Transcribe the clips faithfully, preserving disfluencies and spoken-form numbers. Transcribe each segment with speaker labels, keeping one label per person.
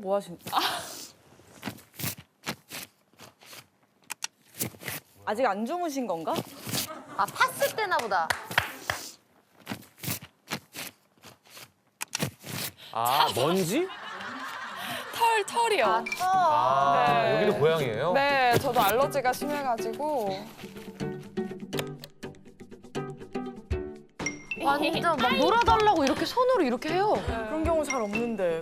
Speaker 1: 뭐 하신? 아. 아직 안 주무신 건가?
Speaker 2: 아, 팠을 때나 보다.
Speaker 3: 아, 먼지?
Speaker 4: 털, 털이요.
Speaker 2: 아, 터.
Speaker 3: 아,
Speaker 4: 네.
Speaker 3: 여기도 고양이에요?
Speaker 4: 네, 저도 알러지가 심해가지고.
Speaker 2: 완전 막 놀아달라고 이렇게 손으로 이렇게 해요.
Speaker 1: 그런 경우 잘 없는데.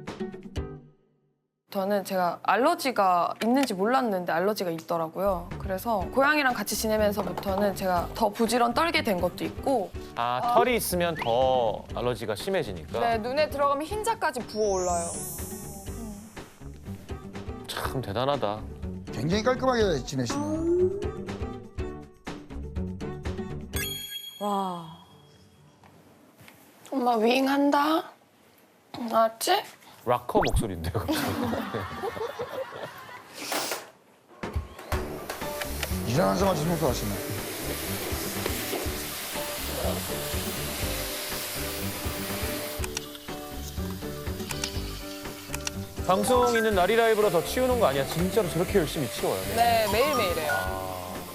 Speaker 4: 저는 제가 알러지가 있는지 몰랐는데 알러지가 있더라고요. 그래서 고양이랑 같이 지내면서부터는 제가 더 부지런 떨게 된 것도 있고,
Speaker 3: 아, 털이 있으면 더 알러지가 심해지니까.
Speaker 4: 네, 눈에 들어가면 흰자까지 부어올라요.
Speaker 3: 참 대단하다.
Speaker 5: 굉장히 깔끔하게 지내시네.
Speaker 1: 와.
Speaker 4: 엄마 윙한다. 알았지?
Speaker 3: 락커 목소리인데요, 갑자기.
Speaker 5: 일어나자마자 청소하시네.
Speaker 3: 방송 있는 날이 라이브로 더 치우는 거 아니야? 진짜로 저렇게 열심히 치워요.
Speaker 4: 네, 매일매일해요.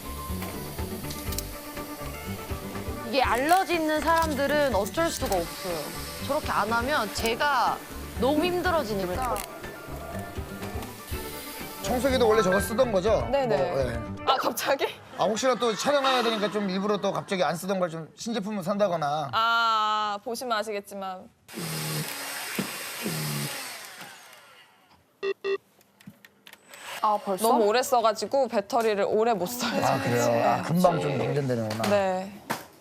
Speaker 2: 이게 알러지 있는 사람들은 어쩔 수가 없어요. 저렇게 안 하면 제가 너무 힘들어지니까.
Speaker 5: 청소기도 원래 저거 쓰던 거죠?
Speaker 4: 네네.
Speaker 5: 뭐, 예.
Speaker 4: 아, 갑자기?
Speaker 5: 아 혹시나 또 촬영해야 되니까 좀 일부러 또 갑자기 안 쓰던 걸 좀 신제품을 산다거나.
Speaker 4: 아, 보시면 아시겠지만.
Speaker 2: 아, 벌써?
Speaker 4: 너무 오래 써가지고 배터리를 오래 못 써요.
Speaker 5: 아 그래요? 아 금방 좀 방전되는구나.
Speaker 4: 네.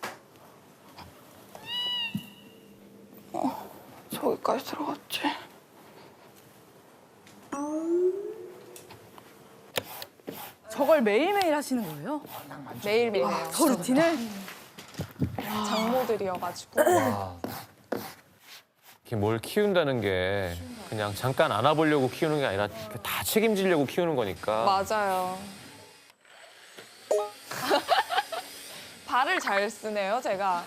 Speaker 4: 어, 저기까지 들어갔지.
Speaker 1: 저걸 매일매일 하시는 거예요?
Speaker 4: 매일매일 해요.
Speaker 1: 저 루틴을?
Speaker 4: 장모들이어가지고.
Speaker 3: 이렇게 뭘 키운다는 게 그냥 잠깐 안아보려고 키우는 게 아니라 다 책임지려고 키우는 거니까.
Speaker 4: 맞아요. 발을 잘 쓰네요, 제가.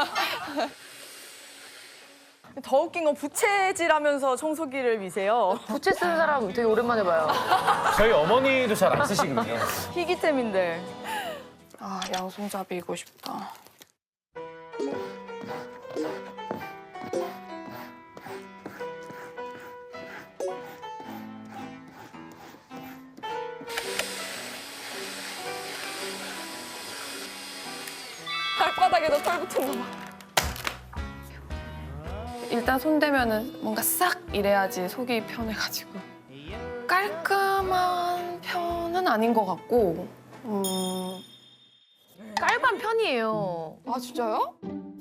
Speaker 1: 더 웃긴 건 부채질하면서 청소기를 미세요.
Speaker 2: 부채 쓰는 사람 되게 오랜만에 봐요.
Speaker 3: 저희 어머니도 잘 안 쓰시거든요.
Speaker 1: 희귀템인데.
Speaker 4: 아, 양손잡이 이고 싶다. 발바닥에도 털 붙은 거 봐. 일단 손대면은 뭔가 싹 이래야지 속이 편해가지고. 깔끔한 편은 아닌 것 같고. 음...
Speaker 2: 깔반 편이에요.
Speaker 4: 아, 진짜요?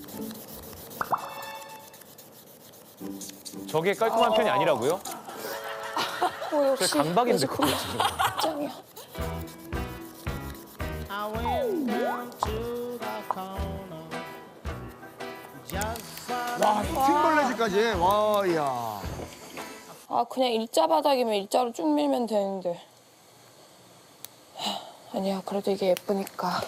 Speaker 3: 저게 깔끔한 편이 아니라고요?
Speaker 4: 어, 역시
Speaker 3: 저 강박인데 그거 지금.
Speaker 4: 짱이야.
Speaker 6: I went down to the corner. Just for
Speaker 5: 와 핑벌레질까지. 와 이야.
Speaker 4: 아, 그냥 일자 바닥이면 일자로 쭉 밀면 되는데. 하, 아니야, 그래도 이게 예쁘니까.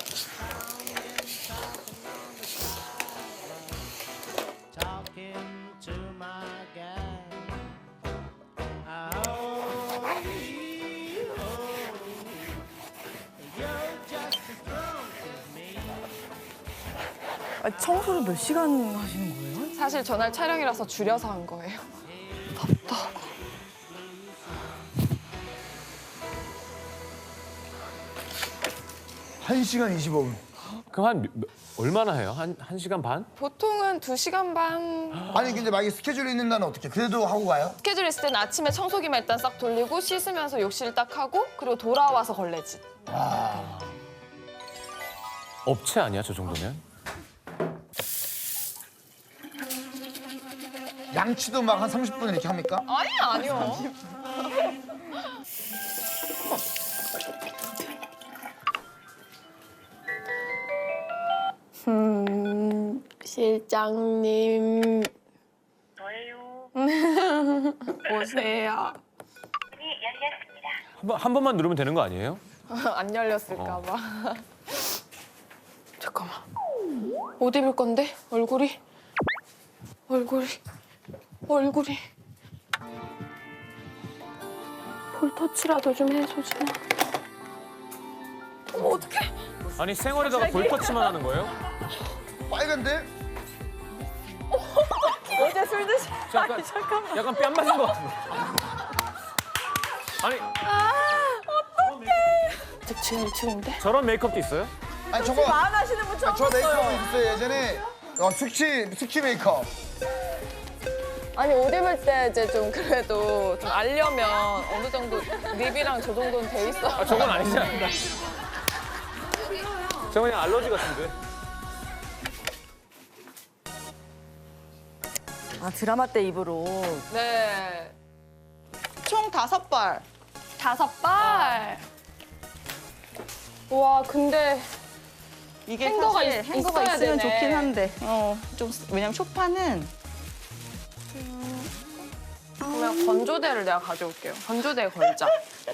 Speaker 6: talking to my guy. Oh, you're just as strong as me.
Speaker 1: 아, 청소를 몇 시간 하시는 거예요?
Speaker 4: 사실 전날 촬영이라서 줄여서 한 거예요.
Speaker 5: 한 시간 이십오 분.
Speaker 3: 그럼 한 몇- 몇- 얼마나 해요? 한, 한 시간 반?
Speaker 4: 보통은 두 시간 반.
Speaker 5: 아니 근데 만약에 스케줄이 있는 날은 어떻게? 그래도 하고 가요?
Speaker 4: 스케줄 있을 때는 아침에 청소기만 일단 싹 돌리고 씻으면서 욕실 딱 하고 그리고 돌아와서 걸레질.
Speaker 3: 업체 아니야, 저 정도면?
Speaker 5: 양치도 막 한 삼십 분 이렇게 합니까?
Speaker 4: 아니, 아니요. 음, 실장님.
Speaker 7: 저예요.
Speaker 4: 오세요.
Speaker 7: 문이 열렸습니다.
Speaker 3: 한, 번, 한 번만 누르면 되는 거 아니에요?
Speaker 4: 안 열렸을까 봐. 잠깐만. 옷 입을 건데? 얼굴이? 얼굴이? 얼굴이? 볼터치라도 좀 해, 소진아. 어머, 어떡해.
Speaker 3: 아니 생얼에다가 볼터치만 하는 거예요?
Speaker 5: 빨간데?
Speaker 1: 어제 술 드시.
Speaker 3: 약간, 약간 뺨 맞은 것 같은데. 아니
Speaker 4: 지금 지금인데?
Speaker 3: 저런 메이크업도 있어요?
Speaker 5: 아니 저거
Speaker 1: 안 하시는 분 처음
Speaker 5: 저 메이크업
Speaker 1: 봤어요.
Speaker 5: 있었어요 예전에. 어, 숙취 숙취 메이크업.
Speaker 4: 아니 옷 입을 때 이제 좀 그래도 좀 알려면 어느 정도 립이랑 저 정도는 돼 있어.
Speaker 3: 아, 저건 아니지 않나? 저건 그냥 알러지 같은데.
Speaker 1: 아 드라마 때 입으로.
Speaker 4: 네.
Speaker 8: 총 다섯 벌.
Speaker 4: 다섯 발. 와 근데
Speaker 8: 이게
Speaker 4: 행거가
Speaker 8: 사실
Speaker 4: 있-
Speaker 8: 행거가
Speaker 4: 있어야
Speaker 8: 있으면
Speaker 4: 되네.
Speaker 8: 좋긴 한데. 어, 좀 왜냐면 쇼파는
Speaker 4: 그러면 건조대를 내가 가져올게요. 건조대에 걸자.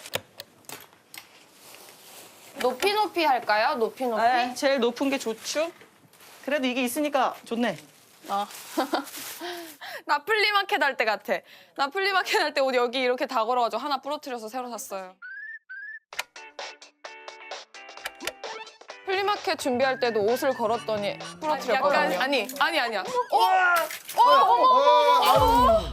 Speaker 4: 높이 높이 할까요? 높이 높이?
Speaker 8: 네, 제일 높은 게 좋죠. 그래도 이게 있으니까 좋네.
Speaker 4: 어. 나 플리마켓 할 때 같아. 나 플리마켓 할 때 옷 여기 이렇게 다 걸어가지고 하나 부러뜨려서 새로 샀어요. 플리마켓 준비할 때도 옷을 걸었더니 부러뜨렸거든요. 약간, 아니, 아니, 아니야. 어? 어, 어머, 어머, 어머.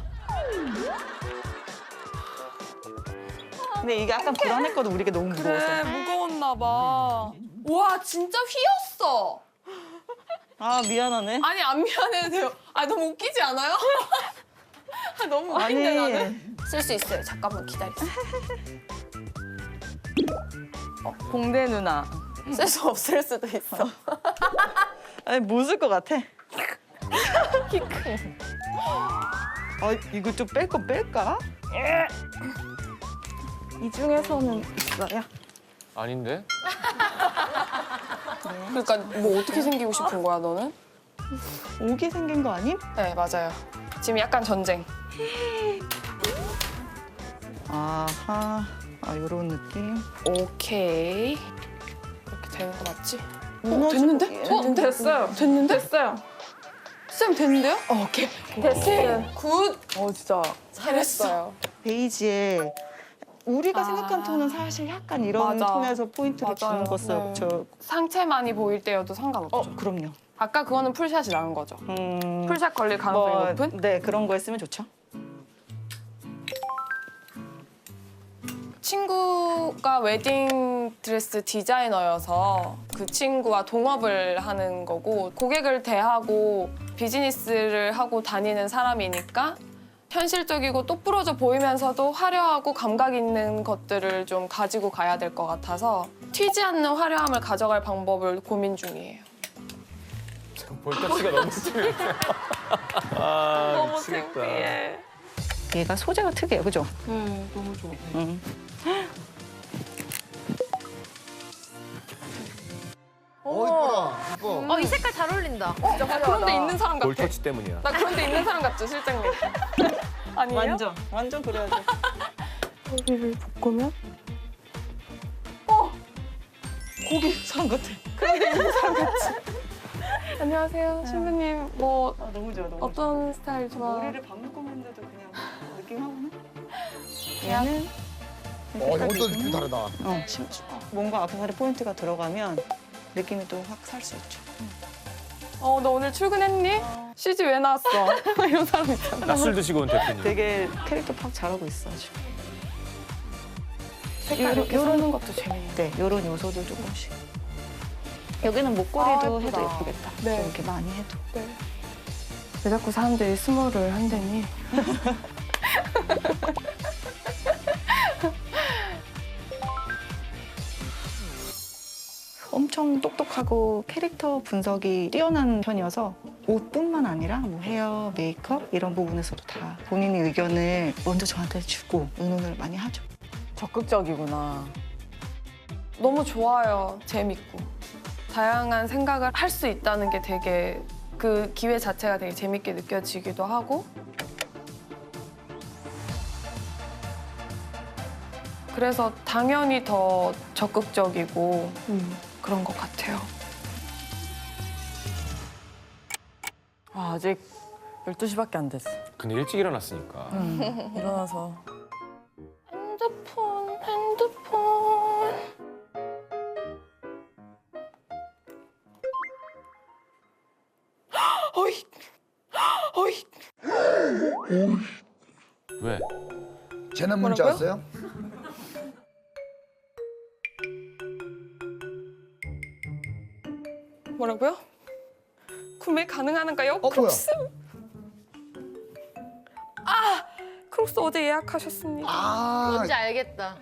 Speaker 8: 근데 이게 약간 불안했거든. 우리가 너무 무거워서.
Speaker 4: 그래, 무거웠나 봐. 와, 진짜 휘었어.
Speaker 8: 아 미안하네.
Speaker 4: 아니, 안 미안해도 돼요. 아, 너무 웃기지 않아요? 아, 너무 웃긴데, 나는. 쓸 수 있어요. 잠깐만 기다리세요.
Speaker 1: 공대 누나.
Speaker 4: 쓸 수 없을 수도 있어.
Speaker 8: 아니 뭐 쓸 것 같아? 키 큰. 아 이거 좀 뺄 거 뺄까? 이 중에서는 있어요.
Speaker 3: 아닌데?
Speaker 4: 그러니까 뭐 어떻게 생기고 싶은 거야, 너는?
Speaker 8: 오게 생긴 거 아님?
Speaker 4: 네, 맞아요. 지금 약간 전쟁.
Speaker 8: 아하. 아 요런 느낌.
Speaker 4: 오케이. 이렇게 되는 거 맞지? 어,
Speaker 8: 무너지게.
Speaker 4: 됐는데? 어, 됐어요. 됐는데? 됐어요. 쌤 됐는데요? 어, 오케이. 됐어요. 굿.
Speaker 1: 어 진짜.
Speaker 4: 잘했어요.
Speaker 8: 베이지에 우리가
Speaker 4: 아.
Speaker 8: 생각한 톤은 사실 약간 이런
Speaker 4: 맞아.
Speaker 8: 톤에서 포인트를 주는
Speaker 4: 맞아요.
Speaker 8: 거였어요.
Speaker 4: 네.
Speaker 8: 저
Speaker 4: 상체만이 보일 때여도 상관없죠.
Speaker 8: 어, 그럼요.
Speaker 4: 아까 그거는 풀샷이 나은 거죠.
Speaker 8: 음,
Speaker 4: 풀샷 걸릴 가능성이
Speaker 8: 뭐,
Speaker 4: 높은?
Speaker 8: 네, 그런 거 했으면 좋죠.
Speaker 4: 친구가 웨딩 드레스 디자이너여서 그 친구와 동업을 하는 거고 고객을 대하고 비즈니스를 하고 다니는 사람이니까 현실적이고 똑부러져 보이면서도 화려하고 감각 있는 것들을 좀 가지고 가야 될 것 같아서 튀지 않는 화려함을 가져갈 방법을 고민 중이에요.
Speaker 3: 볼터치가 너무 심해. 아 미치겠다.
Speaker 8: 얘가 소재가 특이해요, 그죠?
Speaker 4: 네, 너무 좋아.
Speaker 8: 음.
Speaker 5: 어 이뻐라 이뻐.
Speaker 2: 어, 이 색깔 잘 어울린다.
Speaker 4: 나 그런 데 있는 사람 같아.
Speaker 3: 볼터치 때문이야.
Speaker 4: 나 그런 데 있는 사람 같죠, 실장님? 아니에요?
Speaker 8: 완전, 완전 그래야죠.
Speaker 4: 머리를 볶으면?
Speaker 8: 고기 사람 같아.
Speaker 4: 안녕하세요, 신부님. 뭐
Speaker 8: 아, 너무 좋아, 너무 좋아.
Speaker 4: 어떤 스타일 좋아?
Speaker 8: 머리를 밥 묶었는데도 그냥 느낌하고는? 얘는
Speaker 5: 어 이것도 느낌 다르다.
Speaker 8: 어, 심- 뭔가 악세사리 포인트가 들어가면 느낌이 또 확 살 수 있죠.
Speaker 4: 어, 너 오늘 출근했니? 시지 왜 나왔어? 이런 사람 있잖아.
Speaker 3: 낮술 드시고 온 대표님.
Speaker 8: 되게 캐릭터 파악 잘하고 있어, 아주.
Speaker 4: 색깔 이렇게 섞는 것도 재밌네.
Speaker 8: 네, 요런 요소들 조금씩. 여기는 목걸이도
Speaker 4: 아,
Speaker 8: 해도
Speaker 4: 예쁘다.
Speaker 8: 예쁘겠다.
Speaker 4: 네.
Speaker 8: 좀 이렇게 많이 해도.
Speaker 4: 네. 왜 자꾸 사람들이 스몰을 한다니?
Speaker 8: 엄청 똑똑하고 캐릭터 분석이 뛰어난 편이어서 옷뿐만 아니라 뭐 헤어, 메이크업 이런 부분에서도 다 본인의 의견을 먼저 저한테 주고 의논을 많이 하죠.
Speaker 1: 적극적이구나.
Speaker 4: 너무 좋아요. 재밌고. 다양한 생각을 할 수 있다는 게 되게 그 기회 자체가 되게 재밌게 느껴지기도 하고 그래서 당연히 더 적극적이고 그런 것 같아요.
Speaker 1: 아, 아직 열두 시밖에 안 됐어.
Speaker 3: 근데 일찍 일어났으니까.
Speaker 1: 일어나서.
Speaker 4: 핸드폰 어이, 어이.
Speaker 3: 왜?
Speaker 5: 재난 문자
Speaker 4: 뭐라고요?
Speaker 5: 왔어요?
Speaker 4: 뭐라고요? 구매 가능한가요?
Speaker 5: 어, 뭐야?
Speaker 4: 크록스. 아, 크록스 어제 예약하셨습니다.
Speaker 5: 아,
Speaker 2: 뭔지 알겠다.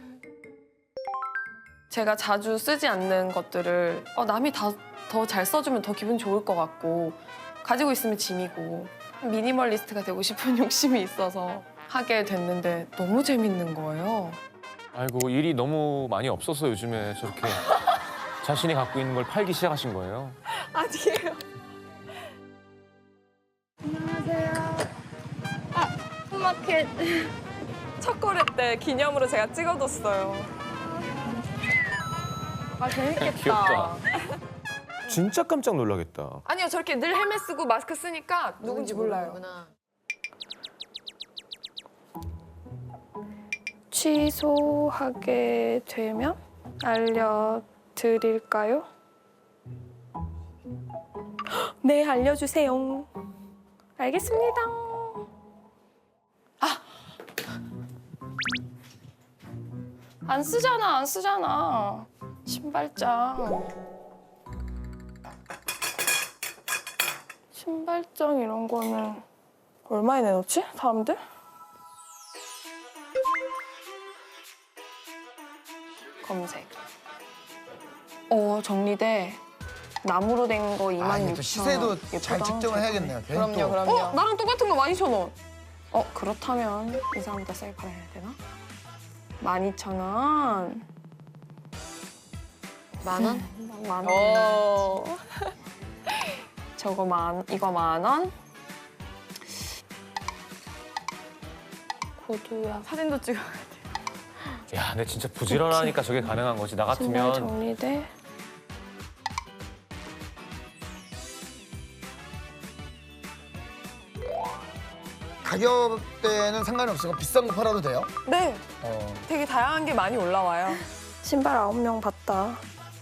Speaker 4: 제가 자주 쓰지 않는 것들을 어, 남이 다 더 잘 써주면 더 기분 좋을 것 같고 가지고 있으면 짐이고 미니멀리스트가 되고 싶은 욕심이 있어서 하게 됐는데 너무 재밌는 거예요.
Speaker 3: 아이고 일이 너무 많이 없어서 요즘에 저렇게 자신이 갖고 있는 걸 팔기 시작하신 거예요.
Speaker 4: 아니에요.
Speaker 2: 마켓.
Speaker 4: 첫 거래 때 기념으로 제가 찍어뒀어요.
Speaker 2: 아 재밌겠다.
Speaker 3: 귀엽다. 진짜 깜짝 놀라겠다.
Speaker 4: 아니요, 저렇게 늘 헬멧 쓰고 마스크 쓰니까 누군지 몰라요.
Speaker 2: 모르는구나.
Speaker 4: 취소하게 되면 알려드릴까요? 네, 알려주세요. 알겠습니다. 아! 안 쓰잖아, 안 쓰잖아. 신발장. 신발장 이런 거는 얼마에 내놓지, 사람들? 검색. 어, 정리돼. 나무로 된 거
Speaker 5: 아,
Speaker 4: 이만
Speaker 5: 이게
Speaker 4: 육천
Speaker 5: 또 시세도
Speaker 4: 원.
Speaker 5: 잘
Speaker 4: 예쁘다.
Speaker 5: 측정을 해야겠네요. 괜히
Speaker 4: 그럼요,
Speaker 5: 또.
Speaker 4: 그럼요. 어, 나랑 똑같은 거 만 이천 원. 어, 그렇다면 이 사람보다 싸게 팔아야 되나? 만 이천 원.
Speaker 2: 만 원?
Speaker 4: 만 원. 어. 저거 만, 이거 만 원. 구두야.
Speaker 1: 사진도 찍어.
Speaker 3: 야, 근데 진짜 부지런하니까 저게 가능한 거지. 나
Speaker 4: 신발
Speaker 3: 같으면
Speaker 4: 정리돼.
Speaker 5: 가격대는 상관이 없으니까 비싼 거 팔아도 돼요?
Speaker 1: 네,
Speaker 5: 어.
Speaker 1: 되게 다양한 게 많이 올라와요.
Speaker 4: 신발 아홉 명 봤다.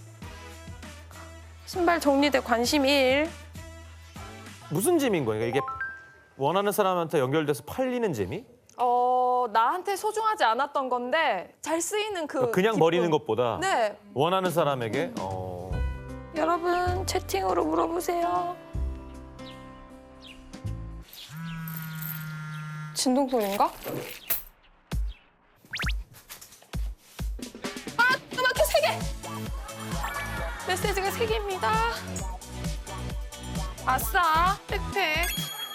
Speaker 4: 신발 정리돼 관심 일.
Speaker 9: 무슨 재미인 거예요? 이게 원하는 사람한테 연결돼서 팔리는 재미?
Speaker 4: 어, 나한테 소중하지 않았던 건데 잘 쓰이는 그
Speaker 9: 그냥
Speaker 4: 기쁨.
Speaker 9: 버리는 것보다
Speaker 4: 네.
Speaker 9: 원하는 사람에게 어...
Speaker 4: 여러분 채팅으로 물어보세요. 진동 소리인가? 아, 음악회 세 개. 메시지가 세 개입니다. 아싸, 백팩.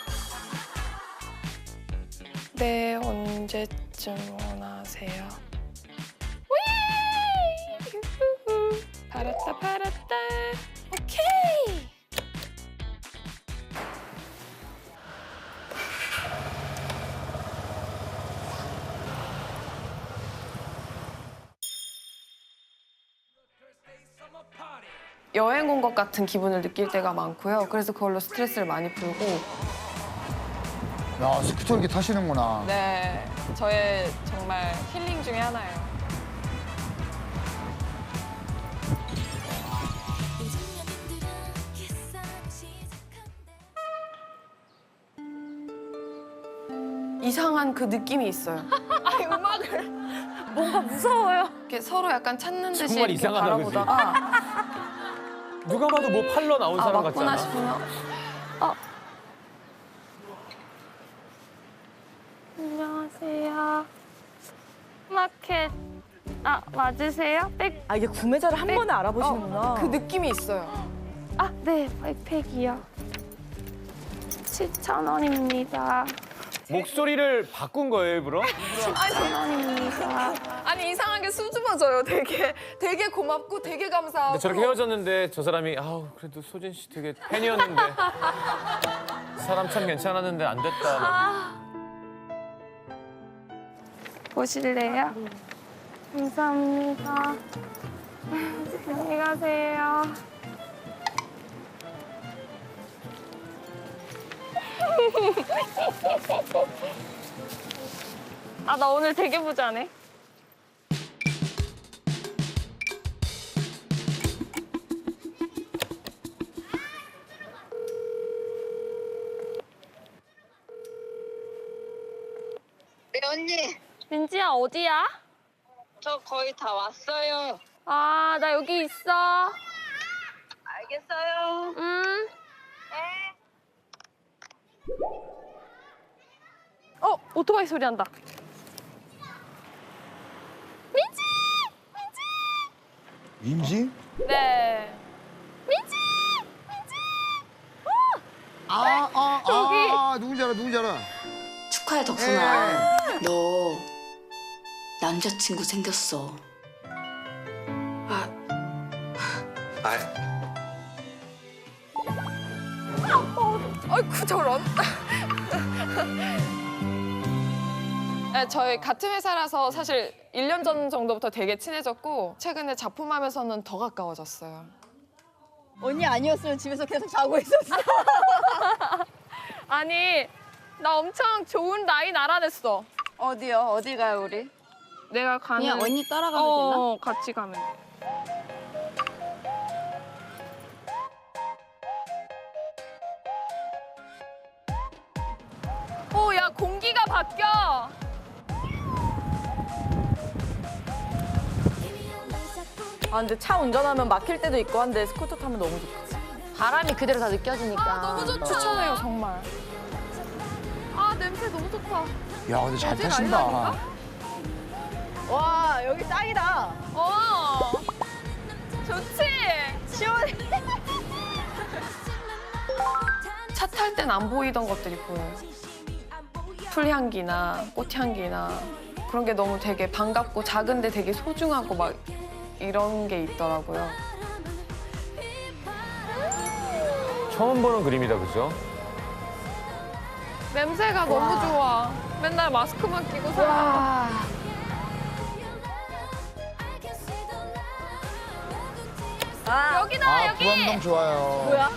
Speaker 4: 네, 언제쯤 원하세요? 위! 우후. 팔았다, 팔았다. 오케이. 여행 온 것 같은 기분을 느낄 때가 많고요. 그래서 그걸로 스트레스를 많이 풀고.
Speaker 5: 야, 스쿠터 이렇게 타시는구나.
Speaker 4: 네, 저의 정말 힐링 중에 하나예요. 이상한 그 느낌이 있어요. 아니, 음악을 뭔가 무서워요. 이렇게 서로 약간 찾는 듯이
Speaker 3: 정말
Speaker 4: 이렇게
Speaker 3: 이상하다, 그지?
Speaker 4: 바라보다가
Speaker 3: 누가 봐도 뭐 팔러 나온
Speaker 4: 아,
Speaker 3: 사람 같지
Speaker 4: 맞구나
Speaker 3: 않아?
Speaker 4: 싶으면 어. 안녕하세요. 마켓 아 맞으세요? 백.
Speaker 1: 아, 이게 구매자를 한 번에 알아보시는구나.
Speaker 4: 그 느낌이 있어요. 아, 네, 백팩이요. 칠천 원입니다.
Speaker 3: 목소리를 바꾼 거예요, 일부러?
Speaker 4: 칠천 원입니다. 아니, 이상하게 수줍어져요. 되게 되게 고맙고 되게 감사하고.
Speaker 3: 근데 저렇게 헤어졌는데 저 사람이 아우 그래도 소진 씨 되게 팬이었는데 사람 참 괜찮았는데 안 됐다. 막.
Speaker 4: 보실래요? 감사합니다. 안녕히 가세요. 아, 나 오늘 되게 부자네.
Speaker 7: 언니,
Speaker 4: 민지야, 어디야?
Speaker 7: 저 거의 다 왔어요.
Speaker 4: 아, 나 여기 있어.
Speaker 7: 알겠어요.
Speaker 4: 음.
Speaker 7: 네.
Speaker 4: 어, 오토바이 소리 난다. 민지!
Speaker 5: 민지?
Speaker 4: 네.
Speaker 5: 아, 아,
Speaker 4: 여기.
Speaker 5: 아, 누군지 알아, 누군지 알아.
Speaker 10: 축하해 덕순아. 너 남자친구 생겼어. 아,
Speaker 4: 아이고, 저런. 네, 저희 같은 회사라서 사실 일 년 전 정도부터 되게 친해졌고 최근에 작품하면서는 더 가까워졌어요.
Speaker 1: 언니 아니었으면 집에서 계속 자고 있었어.
Speaker 4: 아니, 나 엄청 좋은 라인 알아냈어.
Speaker 1: 어디요? 어디 가요 우리?
Speaker 4: 내가 가는...
Speaker 1: 그냥 언니 따라가면
Speaker 4: 어,
Speaker 1: 되나?
Speaker 4: 어, 같이 가면 돼. 오, 야, 공기가 바뀌어.
Speaker 1: 아 근데 차 운전하면 막힐 때도 있고 한데 스쿠터 타면 너무 좋겠지.
Speaker 2: 바람이 그대로 다 느껴지니까.
Speaker 4: 아, 너무 좋다. 추천해요, 정말. 아, 냄새 너무 좋다.
Speaker 5: 야, 근데 잘
Speaker 4: 어디
Speaker 5: 타신다.
Speaker 4: 아니라니까?
Speaker 1: 와 여기 짱이다.
Speaker 4: 어, 좋지? 시원해. 차 탈 땐 안 보이던 것들이 보여요. 풀향기나 꽃향기나 그런 게 너무 되게 반갑고 작은데 되게 소중하고 막 이런 게 있더라고요.
Speaker 3: 처음 보는 그림이다, 그죠?
Speaker 4: 냄새가 너무 좋아. 맨날 마스크만 끼고 살아.
Speaker 1: 아
Speaker 4: 여기다,
Speaker 5: 아,
Speaker 4: 여기!
Speaker 5: 부암동 좋아요.
Speaker 1: 뭐야?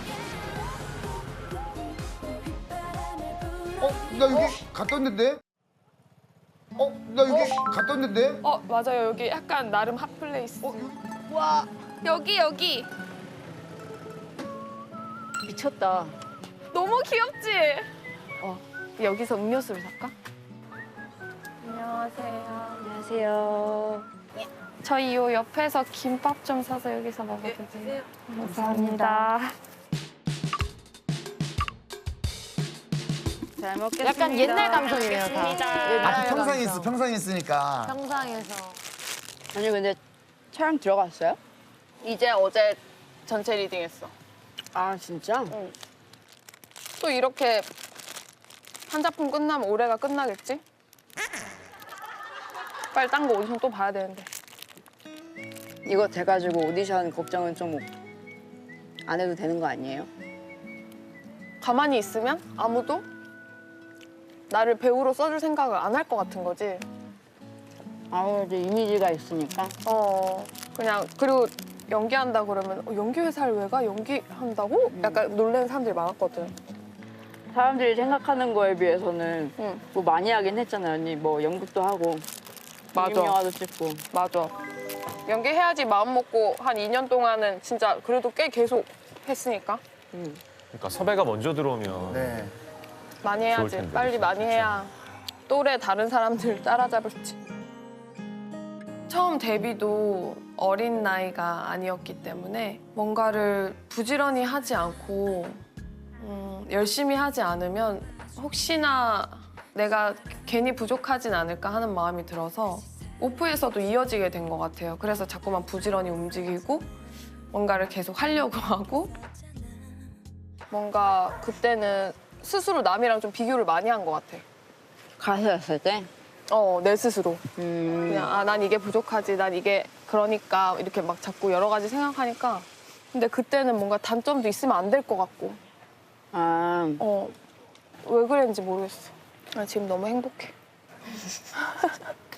Speaker 5: 어, 나 여기 갔다 왔는데? 어, 나 여기 갔다 왔는데?
Speaker 4: 어, 맞아요. 여기 약간 나름 핫플레이스.
Speaker 5: 어,
Speaker 1: 와
Speaker 4: 여기, 여기.
Speaker 1: 미쳤다.
Speaker 4: 너무 귀엽지? 어, 여기서 음료수를 살까? 안녕하세요.
Speaker 1: 안녕하세요.
Speaker 4: 저희 요 옆에서 김밥 좀 사서 여기서 먹어도 돼요? 감사합니다.
Speaker 1: 잘 먹겠습니다.
Speaker 2: 약간 옛날 감성이네요, 다.
Speaker 5: 아, 그 평상에 있어, 평상에 있으니까.
Speaker 2: 평상에서.
Speaker 1: 아니 근데 촬영 들어갔어요?
Speaker 4: 이제 어제 전체 리딩했어.
Speaker 1: 아 진짜?
Speaker 4: 또 이렇게 한 작품 끝나면 올해가 끝나겠지? 빨리 딴 거 오디션 또 봐야 되는데.
Speaker 1: 이거 돼가지고 오디션 걱정은 좀 안 해도 되는 거 아니에요?
Speaker 4: 가만히 있으면 아무도 나를 배우로 써줄 생각을 안 할 것 같은 거지.
Speaker 1: 아우 이제 이미지가 있으니까.
Speaker 4: 어, 그냥 그리고 연기한다 그러면 어, 연기 회사를 왜 가? 연기한다고? 약간 놀라는 사람들이 많았거든.
Speaker 1: 사람들이 생각하는 거에 비해서는
Speaker 4: 응.
Speaker 1: 뭐 많이 하긴 했잖아요 언니. 뭐 연극도 하고
Speaker 4: 맞아.
Speaker 1: 영화도 찍고.
Speaker 4: 맞아. 연기해야지 마음 먹고 한 이 년 동안은 진짜 그래도 꽤 계속 했으니까
Speaker 3: 그러니까 섭외가 먼저 들어오면
Speaker 5: 네.
Speaker 4: 많이
Speaker 3: 좋을
Speaker 4: 해야지.
Speaker 3: 텐데,
Speaker 4: 빨리
Speaker 3: 진짜.
Speaker 4: 많이 해야 또래 다른 사람들 따라잡을지. 처음 데뷔도 어린 나이가 아니었기 때문에 뭔가를 부지런히 하지 않고 음, 열심히 하지 않으면 혹시나 내가 괜히 부족하진 않을까 하는 마음이 들어서 오프에서도 이어지게 된 것 같아요. 그래서 자꾸만 부지런히 움직이고 뭔가를 계속 하려고 하고 뭔가 그때는 스스로 남이랑 좀 비교를 많이 한 것 같아.
Speaker 1: 가수였을 때?
Speaker 4: 어, 내 스스로.
Speaker 1: 음.
Speaker 4: 그냥 아, 난 이게 부족하지, 난 이게 그러니까 이렇게 막 자꾸 여러 가지 생각하니까 근데 그때는 뭔가 단점도 있으면 안 될 것 같고
Speaker 1: 아.
Speaker 4: 어, 왜 그랬는지 모르겠어. 나 지금 너무 행복해.